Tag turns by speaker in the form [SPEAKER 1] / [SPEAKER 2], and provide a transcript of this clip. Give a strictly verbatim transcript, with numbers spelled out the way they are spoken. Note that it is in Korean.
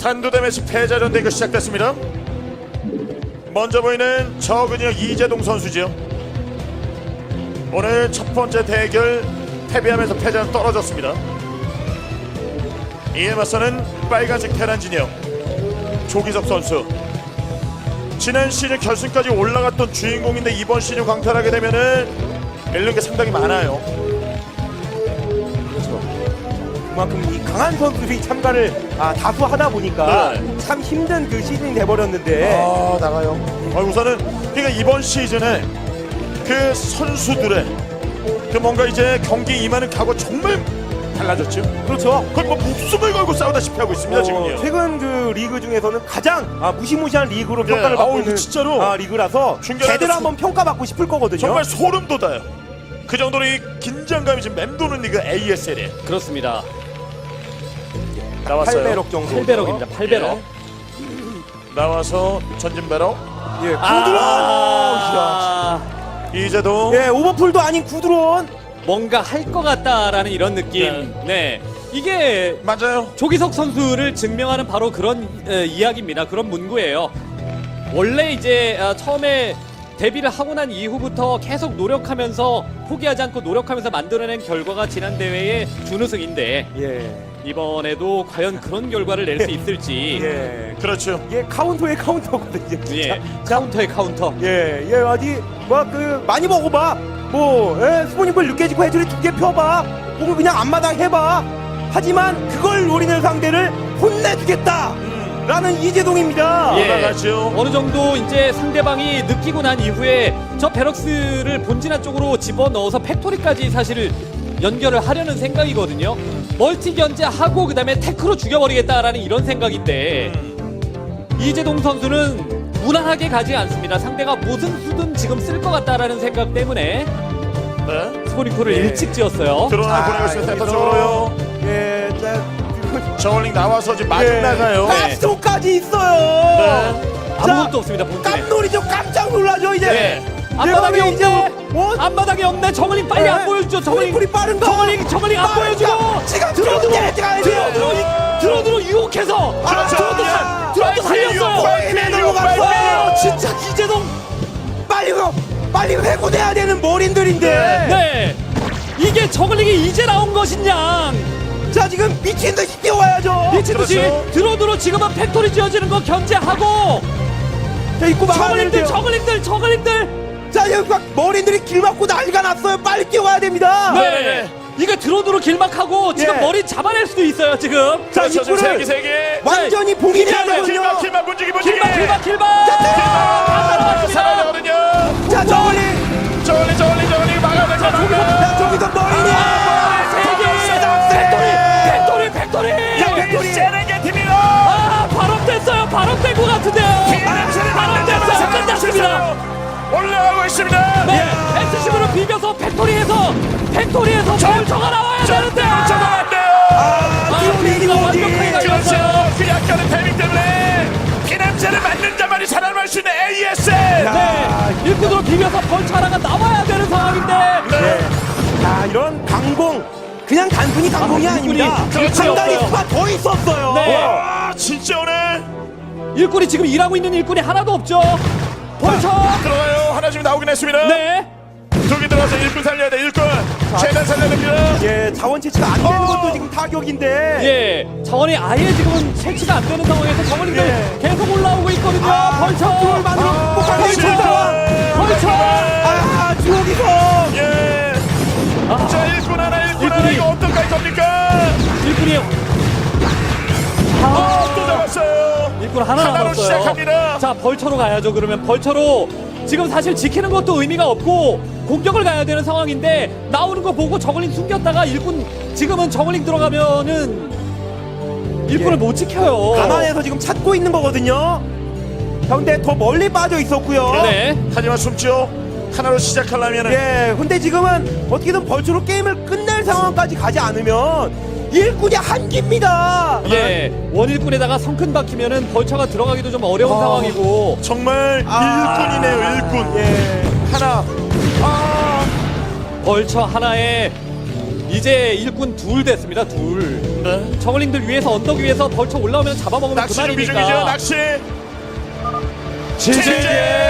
[SPEAKER 1] 한두 대매치 패자전 대결 시작됐습니다. 먼저 보이는 저근이요 이재동 선수죠. 오늘 첫 번째 대결 패배하면서 패자는 떨어졌습니다. 이에 맞서는 빨간색 테란 진영 조기석 선수. 지난 시즌 결승까지 올라갔던 주인공인데 이번 시즌 광탈하게 되면은 잃는 게 상당히 많아요.
[SPEAKER 2] 그렇죠. 그만큼 이 강한 선수들이 참가를 아, 다수 하다 보니까
[SPEAKER 1] 네.
[SPEAKER 2] 참 힘든 그 시즌이 돼버렸는데.
[SPEAKER 1] 아 나가요. 아, 우선은 그러니까 이번 시즌에 그 선수들의 그 뭔가 이제 경기 임하는 각오 정말 달라졌죠.
[SPEAKER 2] 그렇죠.
[SPEAKER 1] 거의 뭐 목숨을 걸고 싸우다시피 하고 있습니다.
[SPEAKER 2] 어,
[SPEAKER 1] 지금요.
[SPEAKER 2] 최근 그 리그 중에서는 가장 아, 무시무시한 리그로 평가를
[SPEAKER 1] 네.
[SPEAKER 2] 받고
[SPEAKER 1] 아우,
[SPEAKER 2] 있는
[SPEAKER 1] 진짜로.
[SPEAKER 2] 아, 리그라서
[SPEAKER 1] 중계라도
[SPEAKER 2] 제대로
[SPEAKER 1] 소-
[SPEAKER 2] 한번 평가받고 싶을 거거든요.
[SPEAKER 1] 정말 소름 돋아요. 그 정도로 이 긴장감이 지금 맴도는 리그 에이에스엘에
[SPEAKER 3] 그렇습니다.
[SPEAKER 1] 나왔어요.
[SPEAKER 2] 팔배럭 정도.
[SPEAKER 3] 팔 배럭입니다. 팔 배럭.
[SPEAKER 1] 나와서 전진 배럭
[SPEAKER 2] 예, 구드론.
[SPEAKER 3] 아,
[SPEAKER 1] 이재동.
[SPEAKER 2] 예, 오버풀도 아닌 구드론.
[SPEAKER 3] 뭔가 할 것 같다라는 이런 느낌. 네. 이게
[SPEAKER 1] 맞아요.
[SPEAKER 3] 조기석 선수를 증명하는 바로 그런 에, 이야기입니다. 그런 문구예요. 원래 이제 아, 처음에 데뷔를 하고 난 이후부터 계속 노력하면서 포기하지 않고 노력하면서 만들어낸 결과가 지난 대회의 준우승인데
[SPEAKER 2] 예.
[SPEAKER 3] 이번에도 과연 그런 결과를 낼 수 있을지.
[SPEAKER 2] 예.
[SPEAKER 1] 그렇죠.
[SPEAKER 2] 예, 카운터의 카운터거든요. 진짜.
[SPEAKER 3] 예. 카운터의 카운터.
[SPEAKER 2] 예, 예, 어디 뭐 그 많이 먹어봐. 뭐 예, 스포닝볼 느껴지고 해줄이 두 개 펴봐. 혹은 그냥 앞마당 해봐. 하지만 그걸 노리는 상대를 혼내주겠다. 라는 이재동입니다.
[SPEAKER 3] 예.
[SPEAKER 1] 올라가죠.
[SPEAKER 3] 어느 정도 이제 상대방이 느끼고 난 이후에 저 베럭스를 본진화 쪽으로 집어넣어서 팩토리까지 사실 연결을 하려는 생각이거든요. 멀티 견제하고 그 다음에 테크로 죽여버리겠다라는 이런 생각인데 이재동 선수는 무난하게 가지 않습니다. 상대가 무슨 수든 지금 쓸 것 같다라는 생각 때문에
[SPEAKER 1] 네.
[SPEAKER 3] 스포닝콜을
[SPEAKER 2] 예.
[SPEAKER 3] 일찍 지었어요.
[SPEAKER 1] 드론을 보내고 있습니다. 센터 쪽으로요.
[SPEAKER 2] 예, 자,
[SPEAKER 1] 저울링 나와서 지금 마중
[SPEAKER 2] 예,
[SPEAKER 1] 나가요.
[SPEAKER 2] 가스통까지 있어요.
[SPEAKER 1] 네.
[SPEAKER 3] 아무것도 없습니다. 본진에.
[SPEAKER 2] 깜놀이죠. 깜짝 놀라죠 이제.
[SPEAKER 3] 네. 앞바닥이
[SPEAKER 2] 이제
[SPEAKER 3] 없네.
[SPEAKER 2] 뭐?
[SPEAKER 3] 앞바닥이 없네. 정글링 빨리
[SPEAKER 2] 네.
[SPEAKER 3] 안 보여주죠. 정글링.
[SPEAKER 2] 스포닝콜이 빠른가?
[SPEAKER 3] 정글링 정글링 안
[SPEAKER 2] 빠른가?
[SPEAKER 3] 보여주고.
[SPEAKER 2] 지금
[SPEAKER 3] 들어 들어
[SPEAKER 2] 들어 들어
[SPEAKER 3] 들어 들어 이- 들어 들어 유혹해서.
[SPEAKER 2] 아,
[SPEAKER 3] 들어도
[SPEAKER 2] 야.
[SPEAKER 3] 살 들어도 살렸어요.
[SPEAKER 2] 빨리 넘어갔어요.
[SPEAKER 3] 아, 진짜 이재동.
[SPEAKER 2] 빨리 그 빨리 회고돼야 되는 머린들인데.
[SPEAKER 3] 네. 이게 저글링이 이제 나온 것이냐.
[SPEAKER 2] 자 지금 미친 듯이 뛰어와야죠.
[SPEAKER 3] 미친 듯이
[SPEAKER 1] 그렇죠.
[SPEAKER 3] 들어 들어 지금은 팩토리 지어지는 거 견제하고.
[SPEAKER 2] 자 입고
[SPEAKER 3] 저글링들
[SPEAKER 2] 막아내는데요.
[SPEAKER 3] 저글링들 저글링들.
[SPEAKER 2] 자 여기 막 머린들이 길 막고 난리가 났어요. 빨리 뛰어와야 됩니다.
[SPEAKER 3] 네. 이게 들어 들어 길막하고 지금
[SPEAKER 2] 예.
[SPEAKER 3] 머리 잡아낼 수도 있어요 지금.
[SPEAKER 2] 자
[SPEAKER 1] 그렇죠. 지금
[SPEAKER 2] 입구를
[SPEAKER 1] 세개 세 개.
[SPEAKER 2] 완전히 봉인해야
[SPEAKER 3] 네.
[SPEAKER 2] 되거든요.
[SPEAKER 1] 길막 길막 문지기 문지기.
[SPEAKER 3] 길막 길막 길막.
[SPEAKER 1] 아, 살아야 되거든요.
[SPEAKER 2] 자 저걸리.
[SPEAKER 1] 저울링 저울링 저울링 막아야 될 것
[SPEAKER 2] 자
[SPEAKER 1] 같아요.
[SPEAKER 2] 저기서 머린이.
[SPEAKER 3] 팩토리 팩토리
[SPEAKER 2] 팩토리.
[SPEAKER 1] 세레게티입니다.
[SPEAKER 3] 아 발업됐어요 발업된 것 같은데요 발업됐어요 끝났습니다
[SPEAKER 1] 올라가고 있습니다.
[SPEAKER 3] 네 에스씨브로 비벼서 팩토리에서 팩토리에서 벌처가 나와야 되는데
[SPEAKER 1] 저거 안 돼요.
[SPEAKER 2] 아 디오디
[SPEAKER 3] 완벽하게
[SPEAKER 2] 디오디.
[SPEAKER 1] 그렇죠.
[SPEAKER 3] 날렸어요
[SPEAKER 1] 그 약간의 타이밍 때문에 피냄새를 맡는 자만이 살아남을 수 있는 에이에스엘.
[SPEAKER 3] 네 일꾼으로 비벼서 벌처 하나가 나와야 되는 상황인데
[SPEAKER 1] 네.
[SPEAKER 2] 자 이런 강공 그냥 단순히 강공이
[SPEAKER 3] 아,
[SPEAKER 2] 아닙니다.
[SPEAKER 3] 일꾼이
[SPEAKER 2] 상당히
[SPEAKER 3] 없어요.
[SPEAKER 2] 수가 더 있었어요.
[SPEAKER 3] 네.
[SPEAKER 1] 와 진짜 오늘
[SPEAKER 3] 일꾼이 지금 일하고 있는 일꾼이 하나도 없죠 벌처
[SPEAKER 1] 들어가요. 하나 지금 나오긴 했습니다.
[SPEAKER 3] 네
[SPEAKER 1] 두개 들어가서 일꾼 살려야 돼. 일꾼 최대한 살려야 됩니다.
[SPEAKER 2] 예, 자원 채취가 안 되는
[SPEAKER 1] 어.
[SPEAKER 2] 것도 지금 타격인데.
[SPEAKER 3] 예, 자원이 아예 지금은 채취가 안 되는 상황에서 저글링들
[SPEAKER 2] 예.
[SPEAKER 3] 계속 올라오고 있거든요.
[SPEAKER 2] 아,
[SPEAKER 3] 벌처,
[SPEAKER 2] 컨트롤 만으로
[SPEAKER 1] 아,
[SPEAKER 2] 폭발을
[SPEAKER 1] 진짜.
[SPEAKER 2] 했습니다.
[SPEAKER 3] 벌처.
[SPEAKER 2] 아, 주옥이서.
[SPEAKER 1] 예. 자 일꾼 하나 일꾼 하나
[SPEAKER 3] 일꾼이.
[SPEAKER 1] 이거 어떡할 겁니까?
[SPEAKER 3] 일꾼이
[SPEAKER 1] 아, 또 잡았어요.
[SPEAKER 3] 일꾼 하나
[SPEAKER 1] 하나로
[SPEAKER 3] 남았어요.
[SPEAKER 1] 시작합니다.
[SPEAKER 3] 자, 벌처로 가야죠. 그러면 벌처로 지금 사실 지키는 것도 의미가 없고 공격을 가야 되는 상황인데 나오는 거 보고 저글링 숨겼다가 일꾼 지금은 저글링 들어가면은 일꾼을
[SPEAKER 2] 예.
[SPEAKER 3] 못 지켜요.
[SPEAKER 2] 가만해서 지금 찾고 있는 거거든요. 근데 더 멀리 빠져 있었고요.
[SPEAKER 3] 네.
[SPEAKER 1] 하지만 숨죠. 하나로 시작하려면은
[SPEAKER 2] 예, 근데 지금은 어떻게든 벌초로 게임을 끝낼 상황까지 가지 않으면 일꾼이 한기입니다.
[SPEAKER 3] 예, 원일꾼에다가 성큰 박히면은 벌처가 들어가기도 좀 어려운
[SPEAKER 2] 아.
[SPEAKER 3] 상황이고
[SPEAKER 1] 정말
[SPEAKER 2] 아.
[SPEAKER 1] 일꾼이네요. 일꾼.
[SPEAKER 2] 예.
[SPEAKER 1] 하나. 아.
[SPEAKER 3] 벌처 하나에 이제 일꾼 둘 됐습니다. 둘.
[SPEAKER 1] 네.
[SPEAKER 3] 저글링들 위에서 언덕 위에서 벌쳐 올라오면 잡아먹으면
[SPEAKER 1] 낚시 준비 중이죠.
[SPEAKER 3] 그만이니까.
[SPEAKER 1] 낚시.
[SPEAKER 2] 지지.
[SPEAKER 1] 제재.